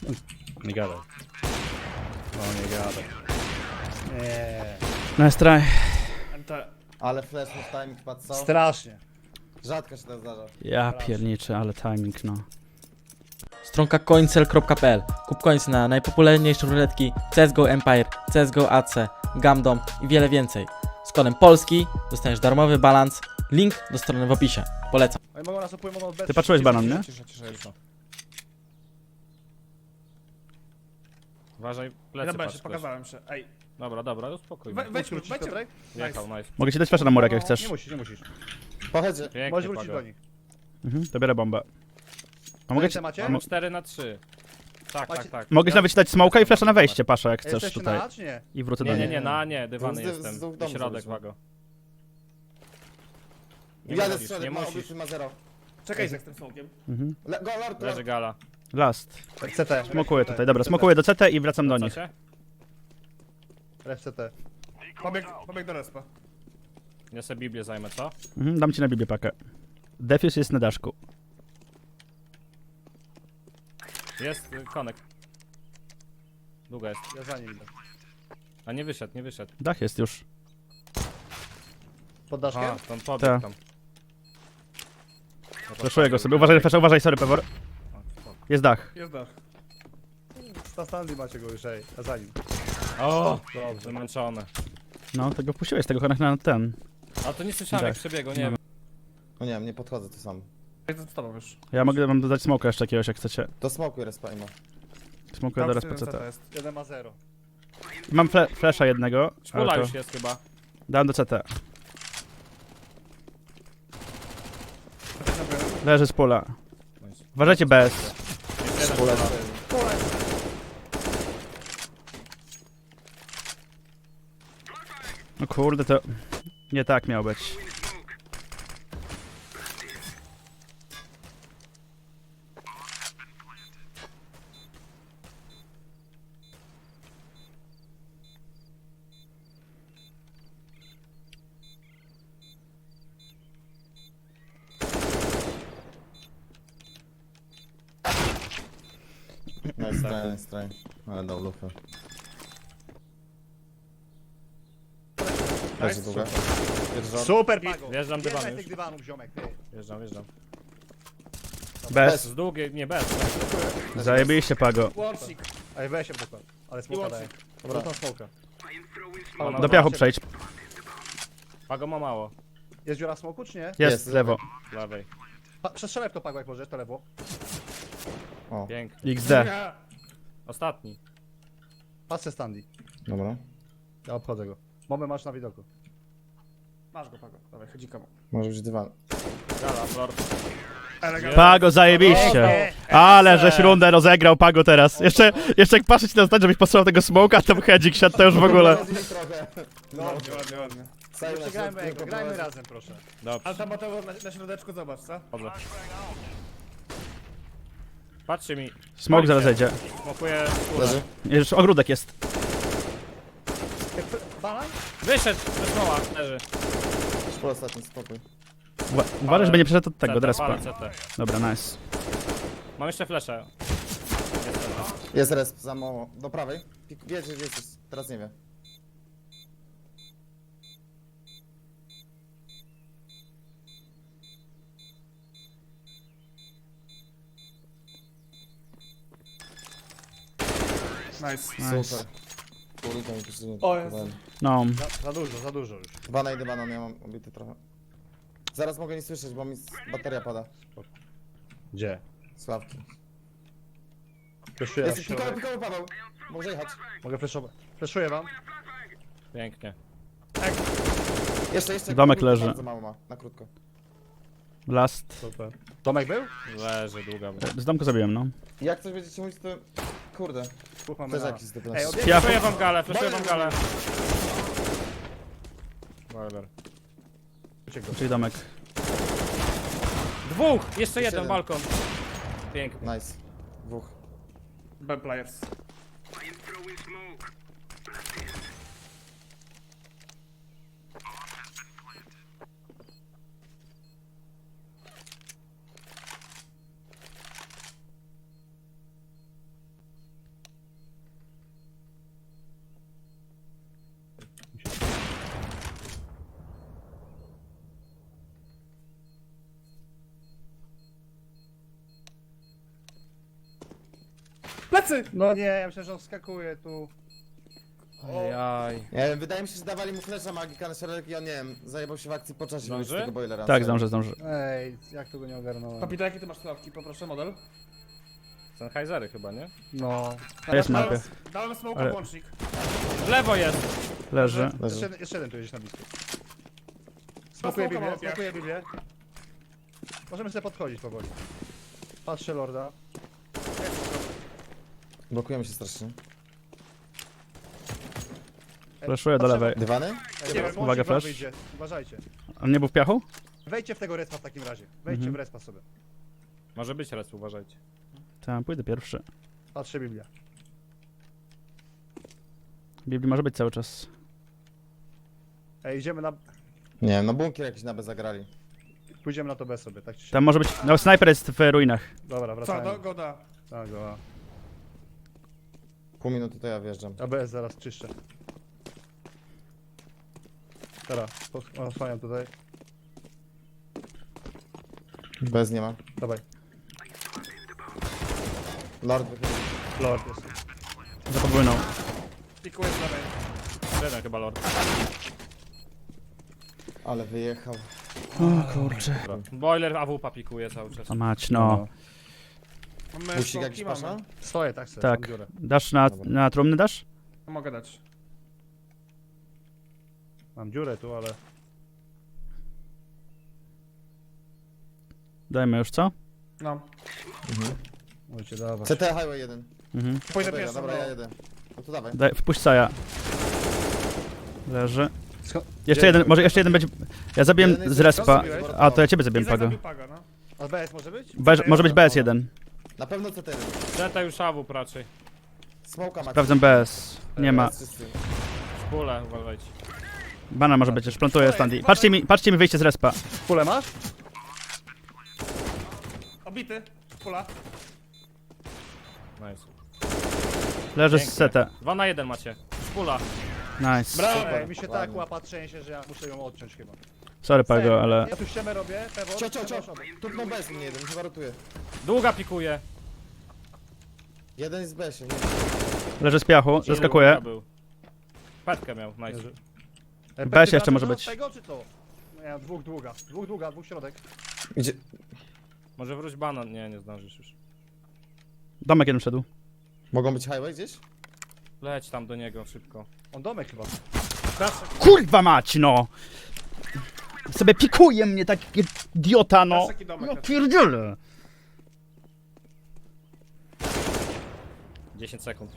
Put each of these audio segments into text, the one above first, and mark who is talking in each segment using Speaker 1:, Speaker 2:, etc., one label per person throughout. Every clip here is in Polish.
Speaker 1: Nie gadaj. No nie gadaj.
Speaker 2: Nie.
Speaker 3: Nice try.
Speaker 2: Ale flash w timing padł co?
Speaker 1: Strasznie.
Speaker 2: Rzadko się to zdarza.
Speaker 3: Ja pierniczę, ale timing no.
Speaker 4: Stronka coincel.pl. Kup coinsy na najpopularniejsze ruletki CSGO Empire, CSGO AC, Gamdom i wiele więcej. Z kodem polski dostaniesz darmowy balans. Link do strony w opisie. Polecam.
Speaker 1: Oni mogą nas opływać, mogą bez...
Speaker 3: Ty patrzyłeś banan, nie?
Speaker 1: Cisza. Uważaj, plecy
Speaker 5: Dobra,
Speaker 1: patrz
Speaker 5: się
Speaker 1: ktoś.
Speaker 5: pokazałem się. Ej,
Speaker 1: Dobra, spokojnie.
Speaker 5: wejdź,
Speaker 1: Nice.
Speaker 5: Piotrek.
Speaker 1: Jechał, nice.
Speaker 3: Mogę ci dać flasha na murek jak
Speaker 1: Nie
Speaker 3: chcesz.
Speaker 1: musisz.
Speaker 2: Pochodzę.
Speaker 1: Pięknie,
Speaker 5: Możesz wrócić
Speaker 1: Pago.
Speaker 5: do nich.
Speaker 3: To biorę bombę. A mogę ci,
Speaker 5: Ręce macie?
Speaker 3: a
Speaker 1: Mamy 4-3. Tak.
Speaker 3: mogę ci nawet dać smoka i flasha na wejście, Pasza, jak chcesz
Speaker 5: Jesteście
Speaker 3: tutaj.
Speaker 5: na A, czy nie?
Speaker 3: I wrócę do
Speaker 1: Nie,
Speaker 3: niej.
Speaker 1: dywany
Speaker 2: Z
Speaker 1: jestem.
Speaker 2: dwóch
Speaker 1: I
Speaker 2: domów
Speaker 1: środek,
Speaker 2: zrobiliśmy.
Speaker 1: Wago. Nie
Speaker 2: Jadę
Speaker 1: musisz,
Speaker 2: strzelę,
Speaker 1: nie
Speaker 2: ma
Speaker 1: musisz.
Speaker 2: obity ma 0.
Speaker 5: Czekaj z tym smokiem.
Speaker 2: Go, lord,
Speaker 1: Leży gala.
Speaker 3: Last.
Speaker 5: CT.
Speaker 3: Smokuję tutaj, dobra, smokuję do CT i wracam do nich.
Speaker 1: Wracacie?
Speaker 5: Ref CT. Pobieg do respa.
Speaker 1: Ja sobie Biblię zajmę, co?
Speaker 3: Dam ci na Biblię pakę. Defuse jest na daszku.
Speaker 1: Jest konek. Długa jest.
Speaker 5: Ja za nim idę.
Speaker 1: A nie wyszedł.
Speaker 3: Dach jest już.
Speaker 5: Pod daszkiem?
Speaker 1: A, tam pobiegł
Speaker 3: Tak.
Speaker 1: tam.
Speaker 3: Flaszuję go sobie. Uważaj, flasha, uważaj, sorry, Pewor. Jest dach.
Speaker 5: Jest dach. Stanley macie go już, ej. Ja za nim.
Speaker 1: O, dobrze, zmęczony.
Speaker 3: No, tego wpuściłeś, tego konek na ten.
Speaker 1: A to nie słyszałem jak
Speaker 3: Tak.
Speaker 1: przebiegł, nie wiem.
Speaker 2: No nie wiem, nie podchodzę tu sam.
Speaker 5: Ej, to z tobą już.
Speaker 3: Ja mogę wam dodać smoka jeszcze jakiegoś, jak chcecie.
Speaker 2: To smokuj respa ima.
Speaker 3: Smokuję teraz po
Speaker 5: CT
Speaker 3: CT.
Speaker 5: jest. 1 ma 0.
Speaker 3: Mam flasha jednego.
Speaker 1: Szpula
Speaker 3: ale to
Speaker 1: już jest chyba.
Speaker 3: dałem do CT. Leży z pola.
Speaker 1: Nice.
Speaker 3: Uważajcie bez.
Speaker 1: Jest jeden gala.
Speaker 3: No kurde, to nie tak miało być.
Speaker 2: Nice try. Ale dał lufę. Leży długa. Pierwszy
Speaker 5: Super, Pago.
Speaker 1: Wjeżdżam dywan
Speaker 5: Wjeżdżaj
Speaker 1: już.
Speaker 5: tych dywanów, ziomek, ty.
Speaker 1: Wjeżdżam.
Speaker 3: Bez.
Speaker 1: Z długiej, nie bez.
Speaker 3: Zajebiliście, Pago.
Speaker 5: Łącznik. Ej, weź się dokładnie. Ale smoka daję. Dobra, tam smoka.
Speaker 3: Do piachu przejdź.
Speaker 1: Pago ma mało.
Speaker 5: Jest dziura smoku, czy nie?
Speaker 3: Jest,
Speaker 2: Jest,
Speaker 3: lewo.
Speaker 1: Z lewej.
Speaker 5: Przestrzelaj w to, Pago, jak możesz, to lewo.
Speaker 2: O,
Speaker 1: Pięknie.
Speaker 3: XD.
Speaker 1: Ostatni.
Speaker 5: Patrzę Stanley.
Speaker 2: dobra.
Speaker 5: Ja obchodzę go. Bombę masz na widoku. Masz go, Pago. Dawaj, chodzi komu.
Speaker 2: Może być dywan.
Speaker 1: Gala, Lord.
Speaker 3: Pago, zajebiście. Ale żeś rundę rozegrał, Pago teraz. Jeszcze jak patrzeć na zdanie, żebyś posłał tego smoka, to hedzik siadł to już w ogóle.
Speaker 2: Trochę. No,
Speaker 5: Ładnie. Przegrajmy jego, grajmy razem, proszę.
Speaker 1: Dobrze.
Speaker 5: Ale tam Mateo na środeczku, zobacz, co?
Speaker 1: Chodzę. Patrzcie mi.
Speaker 3: Smok zaraz zejdzie.
Speaker 1: Smokuję
Speaker 2: Leży.
Speaker 3: Już ogródek jest.
Speaker 5: Banan?
Speaker 1: Wyszedł, wysłała, leży.
Speaker 2: Szpul ostatni, spokój.
Speaker 3: Uważaj, żeby nie przeszedł od tego,
Speaker 1: CT,
Speaker 3: do respa.
Speaker 1: palę CT.
Speaker 3: Dobra, nice.
Speaker 1: Mam jeszcze fleszę.
Speaker 2: Jest resp za mało. Do prawej. Wie, że jesteś. Teraz nie wie.
Speaker 5: Nice.
Speaker 2: Super. Kurde, mi się nie
Speaker 5: O, jest.
Speaker 2: pokazałem.
Speaker 3: No,
Speaker 5: Za dużo już.
Speaker 2: Banan, idę banan, ja mam obity trochę. Zaraz mogę nie słyszeć, bo mi bateria pada.
Speaker 5: Gdzie?
Speaker 2: Sławki.
Speaker 5: Fleszuję
Speaker 2: Jest pikowy Paweł. Może jechać.
Speaker 5: Mogę fleszować. Fleszuję wam.
Speaker 1: Pięknie.
Speaker 2: Jeszcze.
Speaker 3: Domek
Speaker 2: krótko,
Speaker 3: leży.
Speaker 2: Bardzo mało ma, na krótko.
Speaker 3: last.
Speaker 5: Super. Tomek był?
Speaker 1: Leży długa.
Speaker 3: Z domku zabiłem, no.
Speaker 2: Jak coś będziecie mówić, to... Kurde.
Speaker 5: Dwóch mamy
Speaker 2: Też
Speaker 5: na...
Speaker 2: jakiś typ
Speaker 5: Ej,
Speaker 2: na...
Speaker 5: odjedź.
Speaker 3: Ja
Speaker 1: Fleszuję wam galę. Boiler.
Speaker 3: czyli domek.
Speaker 1: Dwóch! Jeszcze jeden
Speaker 2: jeden.
Speaker 1: balkon. Pięknie.
Speaker 2: Nice. Dwóch.
Speaker 5: B players. Plecy! No nie, ja myślę, że on wskakuje tu.
Speaker 1: Ojaj.
Speaker 2: Nie wiem, wydaje mi się, że dawali mu flesza magika na środek i on, nie wiem, zajebał się w akcji po czasie
Speaker 1: Zdąży?
Speaker 2: z tego boilera.
Speaker 3: Tak, zdążę.
Speaker 5: Ej, jak tu go nie ogarnąłem.
Speaker 6: Kapito, jakie ty masz klawki? Poproszę model.
Speaker 1: Sennheisery chyba, nie?
Speaker 5: No.
Speaker 3: Jest na mapie.
Speaker 6: Dałem smoke
Speaker 3: Ale-
Speaker 6: włącznik.
Speaker 1: W lewo jest!
Speaker 3: Leży.
Speaker 5: Jeszcze jeden tu jedziesz na blisko. Smokuję
Speaker 6: smoka
Speaker 5: Biblię,
Speaker 6: mam, ja.
Speaker 5: smokuję Biblię. Możemy sobie podchodzić powoli. Patrzę Lorda.
Speaker 2: Blokujemy się strasznie.
Speaker 3: Flashuję do lewej.
Speaker 2: Dywany?
Speaker 5: Ej,
Speaker 6: Nie
Speaker 5: zaraz
Speaker 6: wiem,
Speaker 5: łącznik
Speaker 3: uwaga,
Speaker 5: wam
Speaker 3: flash.
Speaker 5: wyjdzie. Uważajcie.
Speaker 3: On nie był w piachu?
Speaker 5: Wejdźcie w tego respa w takim razie. Wejdźcie w respa sobie.
Speaker 1: Może być raz, uważajcie.
Speaker 3: Tak, pójdę pierwszy.
Speaker 5: Patrzę Biblia.
Speaker 3: Biblii może być cały czas.
Speaker 5: Ej, idziemy na...
Speaker 2: Nie wiem, no bunkier jakiś na B zagrali.
Speaker 5: Pójdziemy na to B sobie, tak czy siak.
Speaker 3: Tam może być... No, snajper jest w ruinach.
Speaker 5: Dobra,
Speaker 6: Co,
Speaker 5: wracajmy.
Speaker 6: goda.
Speaker 5: Tak, dobra.
Speaker 2: Pół minuty to ja wjeżdżam.
Speaker 5: ABS zaraz czyszczę. Teraz, osłaniam tutaj.
Speaker 2: Bez nie ma.
Speaker 5: Dawaj.
Speaker 2: Lord wychylił.
Speaker 5: Lord jest.
Speaker 3: Zapowłynął.
Speaker 6: Pikuję z lewej.
Speaker 1: Jeden chyba lord.
Speaker 2: Ale wyjechał.
Speaker 3: O kurczę.
Speaker 1: Dobra. Boiler AWP pikuje cały czas.
Speaker 3: A mać, no.
Speaker 6: Mamy
Speaker 2: Busik jakiś
Speaker 6: smoki,
Speaker 2: pasza?
Speaker 6: mamy.
Speaker 5: Stoję, tak sobie,
Speaker 3: Tak.
Speaker 5: mam dziurę.
Speaker 3: Dasz na trumny, dasz?
Speaker 6: Mogę dać.
Speaker 5: Mam dziurę tu, ale...
Speaker 3: Dajmy już, co?
Speaker 6: No.
Speaker 5: Możecie dawać.
Speaker 2: CT Highway 1.
Speaker 3: Mhm.
Speaker 6: Pójdę
Speaker 2: Dobra,
Speaker 6: pierwszy.
Speaker 2: dobra,
Speaker 6: no.
Speaker 2: ja jedę. No to dawaj.
Speaker 3: Wpuść Saja. Leży.
Speaker 5: Sko-
Speaker 3: Jeszcze jeden, może jeszcze jeden będzie... Ja zabiłem
Speaker 2: Jeden jest-
Speaker 3: z respa.
Speaker 2: zabiłeś?
Speaker 3: A, to ja ciebie zabiłem,
Speaker 6: Izak
Speaker 3: Pago.
Speaker 6: zabił Paga, no.
Speaker 5: ABS może być?
Speaker 3: Może być BS1.
Speaker 2: Na pewno CT.
Speaker 1: Zeta już AWP raczej.
Speaker 2: Smoka macie.
Speaker 3: Sprawdzam BS. Nie ma.
Speaker 2: Jest czysty.
Speaker 1: Szpule, uważajcie.
Speaker 3: Bana może być, już plantuję standy. Patrzcie mi wyjście z respa.
Speaker 5: Pulę masz?
Speaker 6: Obity. Pula.
Speaker 1: Nice.
Speaker 3: Leży z
Speaker 1: Pięknie.
Speaker 3: CT.
Speaker 1: 2 na 1 macie. Szpula.
Speaker 3: Nice.
Speaker 5: Brawo!
Speaker 2: Super,
Speaker 5: Mi się tak
Speaker 2: ładnie.
Speaker 5: łapa trzęsie, że ja muszę ją odciąć chyba.
Speaker 3: Sorry Pago, ale...
Speaker 5: Ja tu ściemę robię, Pewor.
Speaker 2: Cio. Tupnął bez mnie jeden, chyba rotuje.
Speaker 1: Długa pikuje.
Speaker 2: Jeden jest w besie, nie.
Speaker 3: Leży z piachu, zaskakuje.
Speaker 1: Długa był. Petkę miał, nice.
Speaker 3: BS jeszcze może być.
Speaker 5: Tego czy to? No ja dwóch długa, dwóch środek.
Speaker 2: Idzie.
Speaker 1: Może wróć banan. Nie, nie zdążysz już.
Speaker 3: Domek jeden wszedł.
Speaker 2: Mogą być highway gdzieś?
Speaker 1: Leć tam do niego szybko.
Speaker 5: On domek chyba.
Speaker 3: Kurwa mać, no! Sobie pikuje mnie taki idiota, no!
Speaker 6: Patrz, jaki domek
Speaker 3: No
Speaker 6: jest.
Speaker 3: pierdzielę!
Speaker 1: 10 sekund.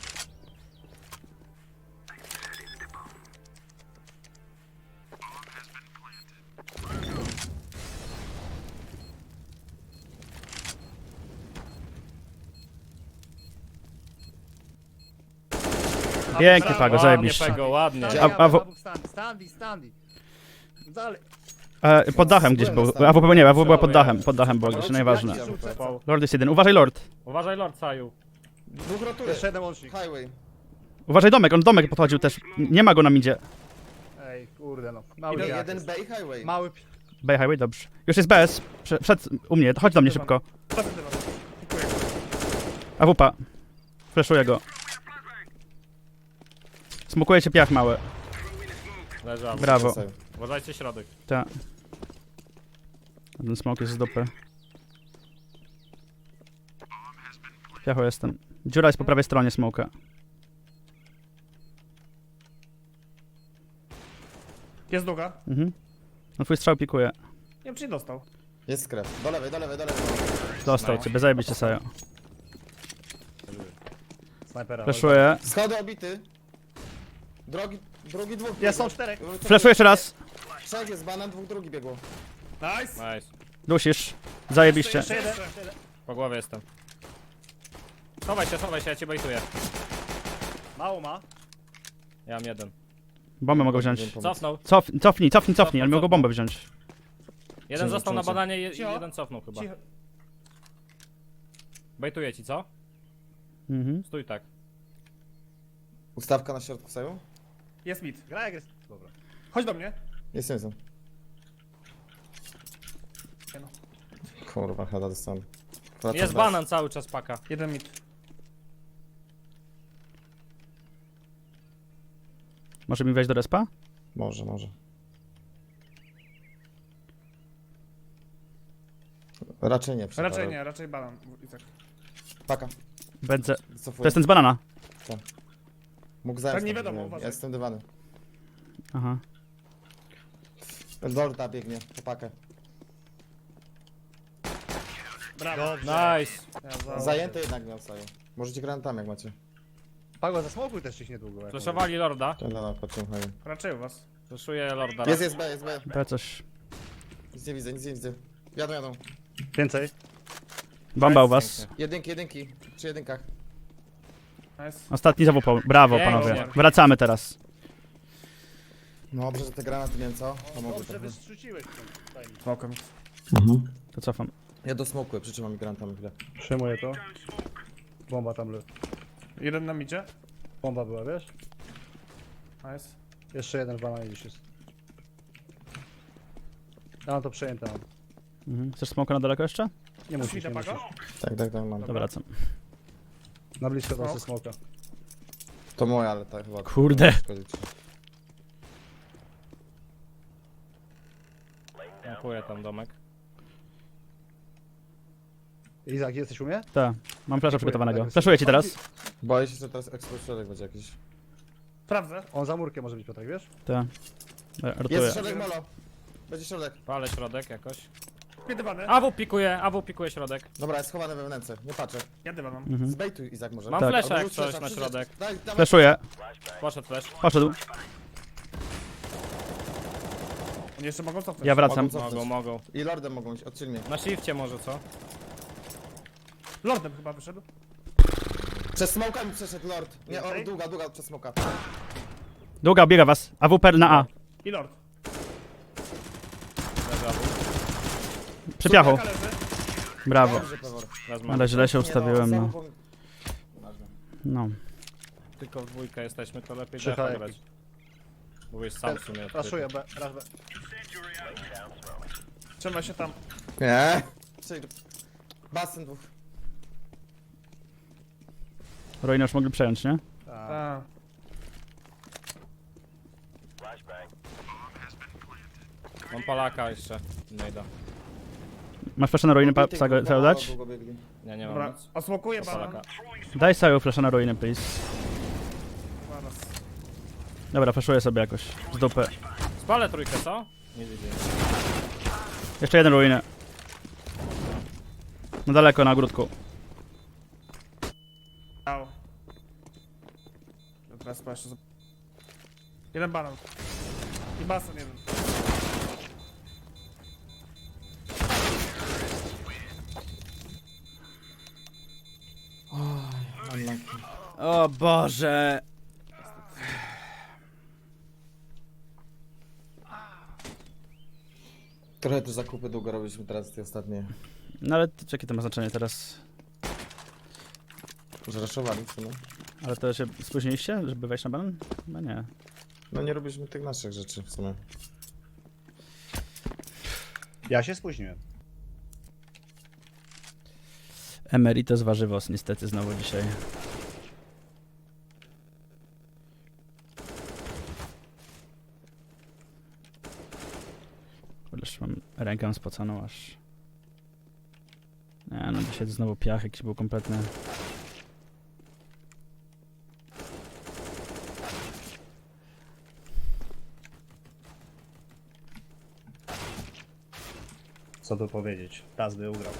Speaker 3: Pięknie Pago,
Speaker 1: Ładnie,
Speaker 3: zajebiście.
Speaker 1: Pego, ładnie.
Speaker 5: Standy. Dalej.
Speaker 3: Pod dachem gdzieś był. AWP nie, AWP była pod dachem. Pod dachem była gdzieś, nieważne. Lord jest jeden. Uważaj Lord.
Speaker 1: Uważaj lord, Saju.
Speaker 2: Dwóch rotuje.
Speaker 5: Jeszcze jeden łącznik.
Speaker 2: Highway.
Speaker 3: Uważaj domek, on domek podchodził też. Nie ma go na midzie.
Speaker 5: Ej, kurde no. Mały
Speaker 2: Idę
Speaker 5: piach
Speaker 2: jeden
Speaker 5: jest.
Speaker 2: B i highway.
Speaker 5: Mały
Speaker 3: Bay Highway, dobrze. Już jest BS. Wszedł u mnie, chodź do mnie szybko.
Speaker 6: Plecy dywan. Pikuję.
Speaker 3: AWP. Flashuję go. Smokuje cię piach mały.
Speaker 1: Leży AWP.
Speaker 3: Brawo.
Speaker 1: Uważajcie środek.
Speaker 3: Ta. Ten smok jest z dupy. Piacho jestem. Dziura jest po prawej stronie smoka.
Speaker 6: Jest długa.
Speaker 3: Mhm. No twój strzał pikuje.
Speaker 6: Nie wiem, czy nie dostał.
Speaker 2: Jest krew. Do lewej.
Speaker 3: Dostał ciebie, zajebiście Sajo.
Speaker 5: snajpera.
Speaker 3: Flashuję.
Speaker 2: Schody obity. Drugi dwóch.
Speaker 5: Jest, są
Speaker 2: biegło.
Speaker 5: czterech.
Speaker 3: Flashuję jeszcze raz.
Speaker 2: Trzech jest banan, dwóch drugi biegło.
Speaker 6: Nice.
Speaker 1: Nice.
Speaker 3: Dusisz. Zajebiście.
Speaker 6: Jeszcze jeden.
Speaker 1: Po głowie jestem. Chowaj się, ja cię bejtuję.
Speaker 5: Mało ma.
Speaker 1: Ja mam jeden.
Speaker 3: Bombę mogą wziąć.
Speaker 1: Cofnął.
Speaker 3: Cofnij, ale mogą bombę wziąć.
Speaker 1: Jeden został na
Speaker 2: Cicho.
Speaker 1: bananie,
Speaker 6: Cicho.
Speaker 1: jeden cofnął chyba.
Speaker 6: Cicho.
Speaker 1: Bejtuję ci, co?
Speaker 3: Mhm.
Speaker 1: Stój tak.
Speaker 2: Ustawka na środku saju?
Speaker 6: Jest mid.
Speaker 5: Gra jak jest. Dobra.
Speaker 6: Chodź do mnie.
Speaker 2: Jestem. Kurwa, chyba dostałem.
Speaker 1: Jest banan cały czas paka.
Speaker 6: Jeden mid.
Speaker 3: Może mi wejść do respa?
Speaker 2: Może, może. Raczej nie.
Speaker 6: Raczej nie, raczej banan. Izak.
Speaker 2: Paka.
Speaker 3: Będę...
Speaker 2: Cofuję.
Speaker 3: To jest ten z banana.
Speaker 2: Mógł zająć.
Speaker 6: Tak, nie
Speaker 2: tam,
Speaker 6: wiadomo,
Speaker 2: ja
Speaker 6: uważaj.
Speaker 2: jestem dywany.
Speaker 3: Aha.
Speaker 2: Lorda biegnie, po pakę.
Speaker 6: Brawo.
Speaker 1: Nice.
Speaker 2: Zajęty jednak miał Saju. Możecie granatami jak macie.
Speaker 5: Pago, zasmokuj też ich niedługo. jak
Speaker 1: Fleszowali lorda.
Speaker 2: Dobra, patrzę, hej.
Speaker 6: Raczej u was.
Speaker 1: Fleszuję lorda.
Speaker 2: Jest B, jest B.
Speaker 3: B coś.
Speaker 2: Nic nie widzę, nic nie widzę. Jadą.
Speaker 5: mówię. Więcej.
Speaker 3: Bomba u was.
Speaker 2: Jedynki. Przy jedynkach.
Speaker 6: Nice.
Speaker 3: Ostatni zawupał. Brawo,
Speaker 1: Pięknie.
Speaker 3: panowie. Wracamy teraz.
Speaker 2: No dobrze, że te granaty miałem co? Pomogły
Speaker 5: Dobrze,
Speaker 2: trochę.
Speaker 5: wystrzeciłeś.
Speaker 6: Smokem.
Speaker 3: To cofam.
Speaker 2: Ja dosmokłem, przytrzymam granatami chwilę.
Speaker 5: Przyjmuję to. Bomba tam leży.
Speaker 6: Jeden na midzie.
Speaker 5: Bomba była, wiesz?
Speaker 6: Nice.
Speaker 5: Jeszcze jeden w bananie gdzieś jest. Ja mam to przejęte mam.
Speaker 3: Mhm. Chcesz smoka na daleko jeszcze?
Speaker 5: Nie musisz,
Speaker 6: Mida
Speaker 5: nie
Speaker 6: pago?
Speaker 5: musisz.
Speaker 2: Tak, mam.
Speaker 3: To wracam.
Speaker 5: Na blisko
Speaker 6: Smok.
Speaker 5: to smoka.
Speaker 2: To moja, ale tak chyba.
Speaker 3: Kurde.
Speaker 1: Dziękuję tam domek.
Speaker 5: Izak, jesteś u mnie?
Speaker 3: Tak. Mam flasza przygotowanego.
Speaker 5: Tak,
Speaker 3: Flaszuję ci teraz.
Speaker 2: Boję się, że teraz eksplośrodek będzie jakiś.
Speaker 6: Sprawdzę.
Speaker 5: On za murkiem może być, Piotrek, wiesz?
Speaker 3: Tak. Rotuję.
Speaker 2: Jest środek molo. Będzie środek.
Speaker 1: Palę środek jakoś.
Speaker 6: Dywany.
Speaker 1: AW pikuje środek.
Speaker 2: Dobra, jest schowany we wnęce, nie patrzę.
Speaker 6: Ja dywan mam.
Speaker 3: Mhm.
Speaker 2: Zbejtuj Izak może.
Speaker 1: Mam
Speaker 3: Tak.
Speaker 1: flesza
Speaker 2: Albo
Speaker 1: jak
Speaker 2: rzuć
Speaker 1: coś
Speaker 2: flesza,
Speaker 1: na
Speaker 2: rzuć
Speaker 1: środek.
Speaker 2: Daj, dawaj.
Speaker 3: Flaszuję.
Speaker 1: Poszedł flash.
Speaker 3: Poszedł.
Speaker 6: Oni jeszcze mogą cofnąć.
Speaker 3: Ja wracam.
Speaker 2: Mogą cofnąć.
Speaker 1: Mogą.
Speaker 2: I lordem mogą iść, odcielnie.
Speaker 1: Na shifcie może co?
Speaker 6: Lordem chyba wyszedł.
Speaker 2: Przez smoka mi przeszedł lord. Nie, o,
Speaker 6: Więcej?
Speaker 2: długa przez smoka.
Speaker 3: Długa biega was. AWP na A.
Speaker 6: I lord.
Speaker 1: Leży AW.
Speaker 3: Przy piachu.
Speaker 6: Jaka leży?
Speaker 3: Brawo.
Speaker 2: Dobrze, Pewor.
Speaker 1: Raz mam.
Speaker 3: Ale źle się ustawiłem,
Speaker 2: Nie,
Speaker 3: no.
Speaker 2: sam
Speaker 3: No.
Speaker 1: Tylko w dwójkę jesteśmy, to lepiej
Speaker 5: Przychaj.
Speaker 1: defa grać. Mówisz sam w sumie.
Speaker 5: Raszuję B, raz B.
Speaker 6: Trzymaj się tam.
Speaker 2: Nie. Basen dwóch.
Speaker 3: Ruiny już mogli przejąć, nie?
Speaker 5: Tak.
Speaker 6: A.
Speaker 1: Mam palaka jeszcze. Nie da.
Speaker 3: Masz flasza na ruiny,
Speaker 2: Długo
Speaker 3: Saju dać?
Speaker 2: długo biegli.
Speaker 1: Nie, nie mam
Speaker 6: Dobra,
Speaker 1: nic.
Speaker 6: osmokuję
Speaker 1: Do
Speaker 6: banan.
Speaker 1: palaka.
Speaker 3: Daj Saju flasza na ruiny, please.
Speaker 6: Zaraz.
Speaker 3: Dobra, flaszuję sobie jakoś. Z dupy.
Speaker 1: Spalę trójkę, co? Nie widzę.
Speaker 3: Jeszcze jeden ruiny. No daleko, na ogródku.
Speaker 6: Au. Teraz jeszcze. Jeden banan. I basen jeden.
Speaker 2: Unlucky.
Speaker 3: O Boże.
Speaker 2: Trochę te zakupy długo robiliśmy teraz, te ostatnie.
Speaker 3: No ale jakie to ma znaczenie teraz?
Speaker 2: Zraszowali w sumie.
Speaker 3: Ale to się spóźniliście, żeby wejść na banan? No nie.
Speaker 2: No nie robiliśmy tych naszych rzeczy w sumie.
Speaker 5: Ja się spóźniłem.
Speaker 3: Emeritus warzywos niestety znowu dzisiaj. Już mam rękę spoconą aż. Nie no, dzisiaj znowu piach jakiś był kompletny.
Speaker 5: Co tu powiedzieć? Raz by ugrał.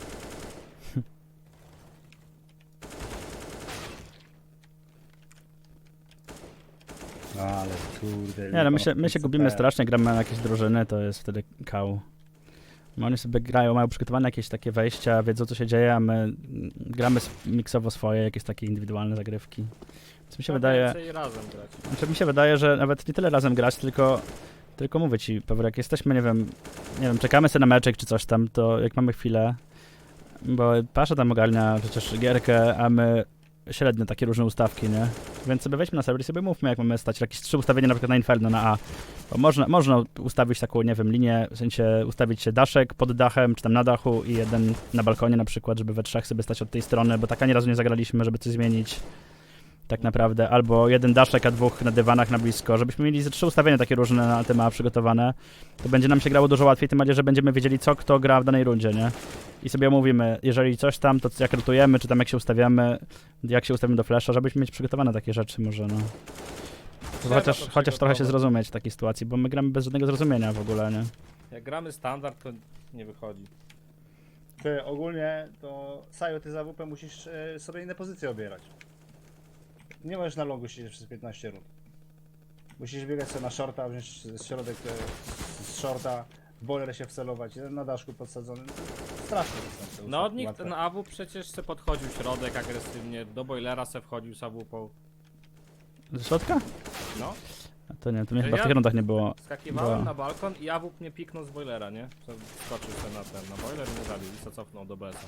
Speaker 5: No ale kurde.
Speaker 3: Nie no, my się
Speaker 5: lipa,
Speaker 3: gubimy
Speaker 5: super.
Speaker 3: strasznie, gramy na jakieś drużyny, to jest wtedy kał. No, oni sobie grają, mają przygotowane jakieś takie wejścia, wiedzą co się dzieje, a my gramy miksowo swoje, jakieś takie indywidualne zagrywki. Więc mi się wydaje,
Speaker 1: Więcej razem grać.
Speaker 3: znaczy mi się wydaje, że nawet nie tyle razem grać, tylko mówię ci, Pewor, jak jesteśmy, nie wiem, czekamy sobie na meczek czy coś tam, to jak mamy chwilę, bo Pasza tam ogarnia przecież gierkę, a my średnio takie różne ustawki, nie? Więc sobie weźmy na serwer i sobie mówmy, jak mamy stać jakieś 3 ustawienia na przykład na Inferno, na A. Bo można ustawić taką, nie wiem, linię, w sensie ustawić się daszek pod dachem, czy tam na dachu i jeden na balkonie na przykład, żeby we trzech sobie stać od tej strony, bo tak ani razu nie zagraliśmy, żeby coś zmienić. tak naprawdę, albo jeden daszek, a dwóch na dywanach na blisko, żebyśmy mieli ze 3 ustawienia takie różne na te mapy przygotowane, to będzie nam się grało dużo łatwiej, tym bardziej, że będziemy wiedzieli, co kto gra w danej rundzie, nie? I sobie omówimy, jeżeli coś tam, to jak rotujemy, czy tam jak się ustawiamy, jak się ustawimy do flasha, żebyśmy mieć przygotowane takie rzeczy może, no.
Speaker 1: Trzeba
Speaker 3: Chociaż
Speaker 1: to
Speaker 3: trochę się
Speaker 1: przygotować.
Speaker 3: zrozumieć w takiej sytuacji, bo my gramy bez żadnego zrozumienia w ogóle, nie?
Speaker 1: Jak gramy standard, to nie wychodzi.
Speaker 5: Ty, ogólnie to Sajo, ty za WP musisz sobie inne pozycje obierać. Nie możesz na longu siedzieć przez 15 rund. Musisz biegać sobie na shorta, wziąć środek z shorta, w boiler się wcelować, jeden na daszku podsadzony. Strasznie to są te
Speaker 1: No
Speaker 5: ustawki
Speaker 1: nikt
Speaker 5: łatwe.
Speaker 1: na AW przecież se podchodził środek agresywnie, do boilera se wchodził z AWP.
Speaker 3: Ze środka?
Speaker 1: No,
Speaker 3: A to nie, to mnie
Speaker 1: To
Speaker 3: chyba w
Speaker 1: ja-
Speaker 3: tych rundach nie było.
Speaker 1: skakiwałem
Speaker 3: Była.
Speaker 1: na balkon i AWP mnie piknął z boilera, nie? Skoczył se na boiler i mnie zabił i se cofnął do BS-a.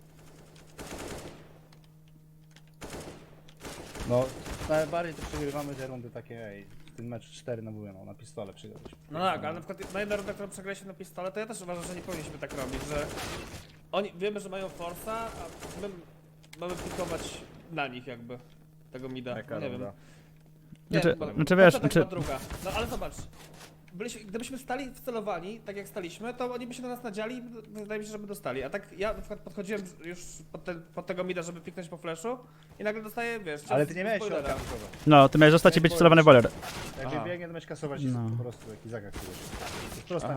Speaker 5: No, najbardziej to przegrywamy te rundy takie, ej, w tym meczu 4 na mówię, no, na pistole przegraliśmy.
Speaker 6: No tak, ale na przykład na jedną rundę, którą przegraliśmy na pistole, to ja też uważam, że nie powinniśmy tak robić, że oni wiemy, że mają forsa, a my mamy pikować na nich jakby tego mida.
Speaker 1: Jaka
Speaker 6: Nie wiem.
Speaker 1: runda?
Speaker 3: Znaczy, wiesz,
Speaker 6: tak
Speaker 3: znaczy-
Speaker 6: druga. No ale zobacz. Gdybyśmy stali wcelowani, tak jak staliśmy, to oni by się na nas nadziali i wydaje mi się, że by dostali. A tak ja na przykład podchodziłem już pod tego mida, żeby piknąć po flashu i nagle dostaję, wiesz,
Speaker 5: Ale
Speaker 6: cios
Speaker 5: ty nie
Speaker 6: z
Speaker 5: miałeś
Speaker 6: boilera.
Speaker 5: środka nikogo.
Speaker 3: No, ty miałeś zostać i być wcelowany boiler.
Speaker 5: Jak
Speaker 1: Aha.
Speaker 5: biegnie, to miałeś kasować
Speaker 3: No.
Speaker 5: po prostu, jaki zakaz tu jest. To jest prosta